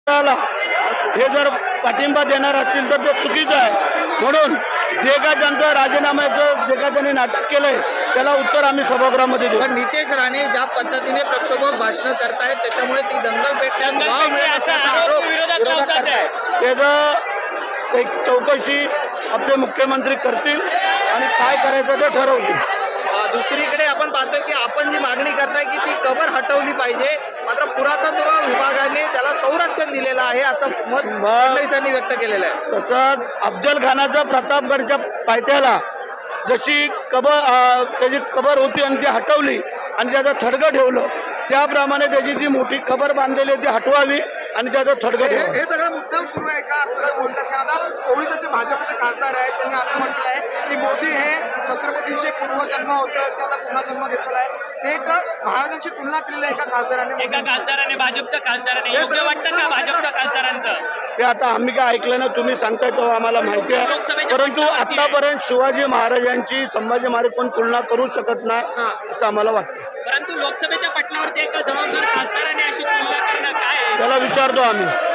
त्याला हे जर पाठिंबा देणार असतील तर ते चुकीचं आहे. म्हणून जे काय त्यांचं राजीनाम्याचं जे काय त्यांनी नाटक केलंय त्याला उत्तर आम्ही सभागृहामध्ये देऊ. पण नितेश राणे ज्या पद्धतीने प्रक्षोभक भाषण करतायत त्याच्यामुळे ती दंगल पेटण्यास वाव मिळत असल्याचा आरोप विरोधक करतायत. त्याचं एक चौकशी आपले मुख्यमंत्री करतील आणि काय करायचं ते ठरवतील. दुसरीकडे आपण पाहतोय की आपण जी मागणी करताय की ती कबर हटवली पाहिजे, मात्र पुरातत्व विभागाने त्याला संरक्षण दिलेलं आहे असं मत फडणवीसांनी व्यक्त केलेलं आहे. तसंच अफजल खानाचा प्रतापगडच्या पायथ्याला जशी त्याची कबर होती आणि ती हटवली आणि त्याचं थडगं ठेवलं, त्याप्रमाणे त्याची जी मोठी कबर बांधलेली ती हटवावी आणि त्याचं थडगं ठेवावं. हे सगळं मुद्दाम सुरू आहे का असं बोलतात? कारण आता ओळीचे भाजपचे खासदार आहेत, त्यांनी असं म्हटलं आहे की मोदी हे छत्रपतींचे पूर्वजन्म होतं, ते आता पुन्हा जन्म घेतलेला आहे. ते एक महाराजांची तुलना केलेली आहे एका खासदाराने, भाजपच्या खासदाराने योग्य वाटतं का भाजपच्या खासदारांचं? ते आता आम्ही काय ऐकलं ना, तुम्ही सांगताय तेव्हा आम्हाला माहिती आहे. परंतु आतापर्यंत शिवाजी महाराजांची संभाजी महाराज कोण तुलना करू शकत नाही असं आम्हाला वाटतं. परंतु लोकसभेच्या पटलावरती एका जबाबदार खासदाराने अशी तुलना करणं काय? त्याला विचारतो आम्ही.